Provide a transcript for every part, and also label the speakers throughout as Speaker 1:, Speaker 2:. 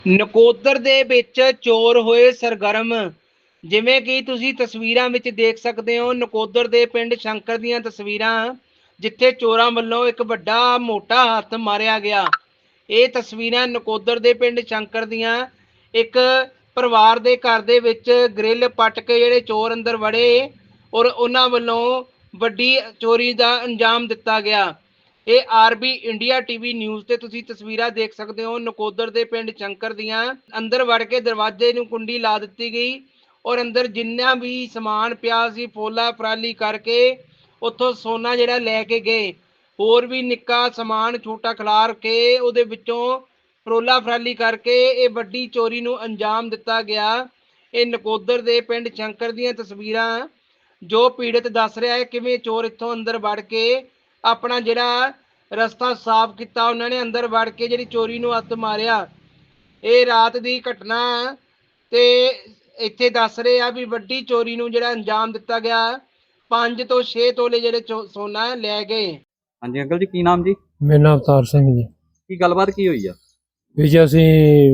Speaker 1: ਨਕੋਦਰ ਦੇ ਵਿੱਚ ਚੋਰ ਹੋਏ ਸਰਗਰਮ। ਜਿਵੇਂ ਕਿ ਤੁਸੀਂ ਤਸਵੀਰਾਂ ਵਿੱਚ ਦੇਖ ਸਕਦੇ ਹੋ, ਨਕੋਦਰ ਦੇ ਪਿੰਡ ਸ਼ੰਕਰ ਦੀਆਂ ਤਸਵੀਰਾਂ, ਜਿੱਥੇ ਚੋਰਾਂ ਵੱਲੋਂ ਇੱਕ ਵੱਡਾ ਮੋਟਾ ਹੱਥ ਮਾਰਿਆ ਗਿਆ। ਇਹ ਤਸਵੀਰਾਂ ਨਕੋਦਰ ਦੇ ਪਿੰਡ ਸ਼ੰਕਰ ਦੀਆਂ। ਇੱਕ ਪਰਿਵਾਰ ਦੇ ਘਰ ਦੇ ਵਿੱਚ ਗ੍ਰਿਲ ਪੱਟ ਕੇ ਜਿਹੜੇ ਚੋਰ ਅੰਦਰ ਵੜੇ ਔਰ ਉਹਨਾਂ ਵੱਲੋਂ ਵੱਡੀ ਚੋਰੀ ਦਾ ਅੰਜਾਮ ਦਿੱਤਾ ਗਿਆ। ਇਹ ਆਰਬੀ ਇੰਡੀਆ ਟੀਵੀ ਨਿਊਜ਼ ਤੇ ਤੁਸੀਂ ਤਸਵੀਰਾਂ ਦੇਖ ਸਕਦੇ ਹੋ। ਨਕੋਦਰ ਦੇ ਪਿੰਡ ਸ਼ੰਕਰ ਦੀਆਂ ਅੰਦਰ ਵੜ ਕੇ ਦਰਵਾਜ਼ੇ ਨੂੰ ਕੁੰਡੀ ਲਾ ਦਿੱਤੀ ਗਈ ਔਰ ਅੰਦਰ ਜਿੰਨਾ ਵੀ ਸਮਾਨ ਪਿਆ ਸੀ ਫੋਲਾ ਫਰਾਲੀ ਕਰਕੇ ਉੱਥੋਂ ਸੋਨਾ ਜਿਹੜਾ ਲੈ ਕੇ ਗਏ। ਹੋਰ ਵੀ ਨਿੱਕਾ ਸਮਾਨ ਛੋਟਾ ਖਿਲਾਰ ਕੇ ਉਹਦੇ ਵਿੱਚੋਂ ਫਰੋਲਾ ਫਰਾਲੀ ਕਰਕੇ ਇਹ ਵੱਡੀ ਚੋਰੀ ਨੂੰ ਅੰਜਾਮ ਦਿੱਤਾ ਗਿਆ। ਇਹ ਨਕੋਦਰ ਦੇ ਪਿੰਡ ਸ਼ੰਕਰ ਦੀਆਂ ਤਸਵੀਰਾਂ, ਜੋ ਪੀੜਤ ਦੱਸ ਰਿਹਾ ਹੈ ਕਿਵੇਂ ਚੋਰ ਇੱਥੋਂ ਅੰਦਰ ਵੜ ਕੇ ਆਪਣਾ ਜਿਹੜਾ ਰਸਤਾ ਸਾਫ਼ ਕੀਤਾ। ਉਹਨਾਂ ਨੇ ਅੰਦਰ ਵੜ ਕੇ ਜਿਹੜੀ ਚੋਰੀ ਨੂੰ ਹੱਥ ਮਾਰਿਆ। ਇਹ ਰਾਤ ਦੀ ਘਟਨਾ ਤੇ ਇੱਥੇ ਦੱਸ ਰਹੇ ਆ ਵੀ ਵੱਡੀ ਚੋਰੀ ਨੂੰ ਜਿਹੜਾ ਅੰਜਾਮ ਦਿੱਤਾ ਗਿਆ। 5 ਤੋਂ 6 ਤੋਲੇ ਜਿਹੜੇ ਸੋਨਾ ਲੈ ਗਏ।
Speaker 2: ਹਾਂਜੀ ਅੰਕਲ ਜੀ, ਕੀ ਨਾਮ ਜੀ?
Speaker 3: ਮੇਰਾ ਨਾਮ ਅਵਤਾਰ ਸਿੰਘ ਜੀ।
Speaker 2: ਕੀ ਗੱਲਬਾਤ ਕੀ ਹੋਈ ਆ?
Speaker 3: ਵੀ ਜੀ ਅਸੀਂ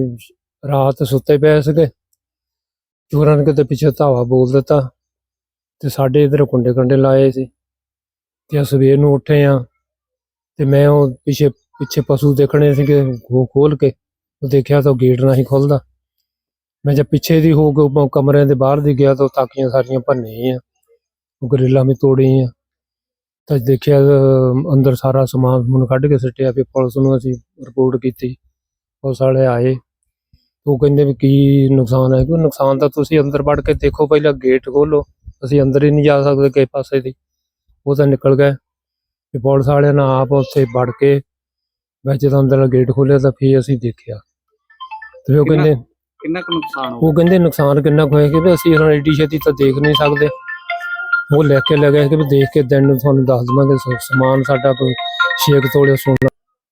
Speaker 3: ਰਾਤ ਸੁੱਤੇ ਪਏ ਸੀਗੇ, ਚੋਰਾਂ ਨੇ ਕਿਤੇ ਪਿੱਛੇ ਧਾਵਾ ਬੋਲ ਦਿੱਤਾ ਤੇ ਸਾਡੇ ਇੱਧਰ ਕੁੰਡੇ ਕੰਡੇ ਲਾਏ ਸੀ ਤੇ ਸਵੇਰ ਨੂੰ ਉੱਠੇ ਆ ਤੇ ਮੈਂ ਉਹ ਪਿੱਛੇ ਪਸ਼ੂ ਦੇਖਣੇ ਸੀਗੇ, ਉਹ ਖੋਲ ਕੇ ਉਹ ਦੇਖਿਆ ਤਾਂ ਗੇਟ ਨਹੀਂ ਖੁੱਲਦਾ। ਮੈਂ ਜਦ ਪਿੱਛੇ ਦੀ ਹੋ ਕੇ ਕਮਰਿਆਂ ਦੇ ਬਾਹਰ ਦੀ ਗਿਆ ਤਾਂ ਤਾਕੀਆਂ ਸਾਰੀਆਂ ਭੰਨੇ ਆ, ਉਹ ਗਰਿੱਲਾਂ ਵੀ ਤੋੜੀ ਆ। ਤਾਂ ਦੇਖਿਆ ਅੰਦਰ ਸਾਰਾ ਸਮਾਨ ਸਮੂਨ ਕੱਢ ਕੇ ਸੁੱਟਿਆ। ਫਿਰ ਪੁਲਿਸ ਨੂੰ ਅਸੀਂ ਰਿਪੋਰਟ ਕੀਤੀ, ਪੁਲਿਸ ਵਾਲੇ ਆਏ, ਉਹ ਕਹਿੰਦੇ ਵੀ ਕੀ ਨੁਕਸਾਨ ਹੈ। ਕੋਈ ਨੁਕਸਾਨ ਤਾਂ ਤੁਸੀਂ ਅੰਦਰ ਵੜ ਕੇ ਦੇਖੋ, ਪਹਿਲਾਂ ਗੇਟ ਖੋਲੋ, ਅਸੀਂ ਅੰਦਰ ਹੀ ਨਹੀਂ ਜਾ ਸਕਦੇ ਕਿਸੇ ਪਾਸੇ ਦੀ। ਉਹ ਤਾਂ ਨਿਕਲ ਗਏ। ਤੇ ਪੁਲਿਸ ਵਾਲਿਆਂ ਨੇ ਆਪ ਉੱਥੇ ਵੜ ਕੇ ਵਿੱਚ ਜਦੋਂ ਅੰਦਰ ਗੇਟ ਖੋਲ੍ਹਿਆ ਤਾਂ ਫਿਰ ਅਸੀਂ ਦੇਖਿਆ ਤੇ ਉਹ ਕਹਿੰਦੇ
Speaker 2: ਕਿੰਨਾ ਕੁ ਨੁਕਸਾਨ ਹੋ
Speaker 3: ਉਹ ਕਹਿੰਦੇ ਨੁਕਸਾਨ ਕਿੰਨਾ ਕੁ ਹੋਇਆ ਕਿ ਅਸੀਂ ਹੁਣ ਐਡੀ ਛੇਤੀ ਤਾਂ ਦੇਖ ਨਹੀਂ ਸਕਦੇ। ਉਹ ਲੈ ਕੇ ਲੈ ਗਏ ਕਿ ਵੀ ਦੇਖ ਕੇ ਦਿਨ ਨੂੰ ਤੁਹਾਨੂੰ ਦੱਸ ਦੇਵਾਂਗੇ। ਸਮਾਨ ਸਾਡਾ ਕੋਈ 6 ਤੋਲੇ ਸੋਨਾ।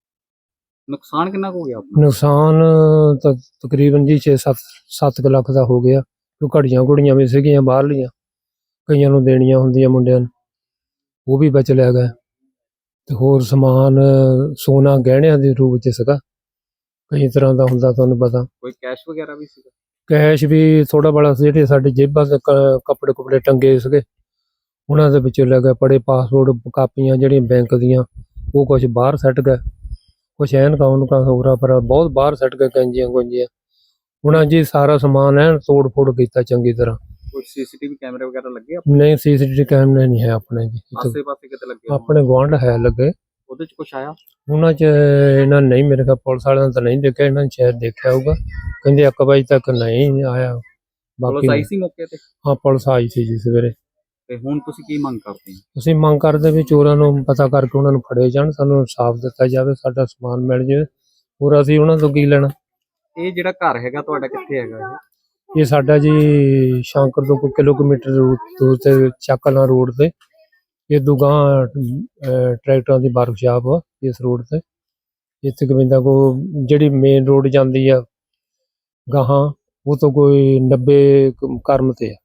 Speaker 2: ਨੁਕਸਾਨ ਕਿੰਨਾ ਕੁ ਹੋ ਗਿਆ ਆਪਣਾ?
Speaker 3: ਨੁਕਸਾਨ ਤਾਂ ਤਕਰੀਬਨ ਜੀ 6-7 ਲੱਖ ਦਾ ਹੋ ਗਿਆ। ਕਿਉਂ ਘੜੀਆਂ ਘੁੜੀਆਂ ਵੀ ਸੀਗੀਆਂ ਬਾਹਰਲੀਆਂ, ਕਈਆਂ ਨੂੰ ਦੇਣੀਆਂ ਹੁੰਦੀਆਂ ਮੁੰਡਿਆਂ ਨੂੰ, ਉਹ ਵੀ ਵਿੱਚ ਲੈ ਗਏ। ਤੇ ਹੋਰ ਸਮਾਨ ਸੋਨਾ ਗਹਿਣਿਆਂ ਦੇ ਰੂਪ 'ਚ ਸੀਗਾ, ਕਈ ਤਰ੍ਹਾਂ ਦਾ ਹੁੰਦਾ ਤੁਹਾਨੂੰ ਪਤਾ।
Speaker 2: ਕੋਈ ਕੈਸ਼ ਵਗੈਰਾ ਵੀ ਸੀਗਾ?
Speaker 3: ਕੈਸ਼ ਵੀ ਥੋੜਾ ਬੜਾ ਸੀ। ਜਿਹੜੇ ਸਾਡੇ ਜੇਬਾਂ ਦੇ ਕੱਪੜੇ ਕੁਪੜੇ ਟੰਗੇ ਸੀਗੇ ਉਹਨਾਂ ਦੇ ਵਿੱਚੋਂ ਲੈ ਗਏ। ਬੜੇ ਪਾਸਪੋਰਟ ਕਾਪੀਆਂ ਜਿਹੜੀਆਂ ਬੈਂਕ ਦੀਆਂ ਉਹ ਕੁਛ ਬਾਹਰ ਸੱਟ ਗਏ, ਕੁਛ ਐਨਕਾਂ ਉਨਕਾਂ ਹੋਰਾਂ ਪਰ ਬਹੁਤ ਬਾਹਰ ਸੱਟ ਗਏ, ਕੈਂਜੀਆਂ ਗੁੰਜੀਆਂ। ਉਹਨਾਂ ਜੀ ਸਾਰਾ ਸਮਾਨ ਐਨ ਤੋੜ ਫੋੜ ਕੀਤਾ ਚੰਗੀ ਤਰ੍ਹਾਂ।
Speaker 2: ਕੋਈ ਸੀਸੀਟੀਵੀ ਕੈਮਰੇ ਵਗੈਰਾ ਲੱਗੇ
Speaker 3: ਨਹੀਂ, ਸੀਸੀਟੀਵੀ ਕੈਮਰੇ ਨਹੀਂ ਹੈ ਆਪਣੇ ਜੀ।
Speaker 2: ਆਸੇ ਪਾਸੇ ਕਿਤੇ ਲੱਗੇ?
Speaker 3: ਆਪਣੇ ਗੁਆਂਢ ਹੈ ਲੱਗੇ,
Speaker 2: ਉਹਦੇ ਚ ਕੁਛ ਆਇਆ?
Speaker 3: ਉਹਨਾਂ 'ਚ ਇਹਨਾਂ ਨਹੀਂ, ਮੇਰੇ ਖਿਆਲ ਪੁਲਿਸ ਵਾਲਿਆਂ ਨੇ ਤਾਂ ਨਹੀਂ ਦੇਖਿਆ, ਇਹਨਾਂ ਨੇ ਸ਼ਾਇਦ ਦੇਖਿਆ ਹੋਊਗਾ। ਕਹਿੰਦੇ 1 ਵਜੇ ਤੱਕ ਨਹੀਂ ਆਇਆ।
Speaker 2: ਪੁਲਿਸ ਆਈ ਸੀ ਮੌਕੇ ਤੇ?
Speaker 3: ਹਾਂ, ਪੁਲਿਸ ਆਈ ਸੀ ਜੀ ਸਵੇਰੇ।
Speaker 2: ਤੇ ਹੁਣ ਤੁਸੀਂ ਕੀ ਮੰਗ ਕਰਦੇ ਹੋ?
Speaker 3: ਅਸੀਂ ਮੰਗ ਕਰਦੇ ਵੀ ਚੋਰਾਂ ਨੂੰ ਪਤਾ ਕਰਕੇ ਉਹਨਾਂ ਨੂੰ ਫੜੇ ਜਾਣ, ਸਾਨੂੰ ਇਨਸਾਫ ਦਿੱਤਾ ਜਾਵੇ, ਸਾਡਾ ਸਮਾਨ ਮਿਲ ਜਾਵੇ। ਹੋਰ ਅਸੀਂ ਉਹਨਾਂ ਤੋਂ ਕੀ ਲੈਣਾ।
Speaker 2: ਇਹ ਜਿਹੜਾ ਘਰ ਹੈਗਾ ਤੁਹਾਡਾ ਕਿੱਥੇ ਹੈਗਾ?
Speaker 3: ਇਹ ਸਾਡਾ ਜੀ ਸ਼ੰਕਰ ਤੋਂ ਕੋਈ ਕਿਲੋਮੀਟਰ ਦੂਰ ਤੇ ਚੱਕਲਾਂ ਰੋਡ ਤੇ। ਇਹ ਦੁਗਾਂ ਟਰੈਕਟਰਾਂ ਦੀ ਵਰਕਸ਼ਾਪ ਆ ਇਸ ਰੋਡ ਤੇ। ਇੱਥੇ ਗੋਬਿੰਦਾ ਕੋ ਜਿਹੜੀ ਮੇਨ ਰੋਡ ਜਾਂਦੀ ਆ ਗਾਹਾਂ, ਉਹ ਤੋਂ ਕੋਈ 90 ਕਰਮ ਤੇ ਆ।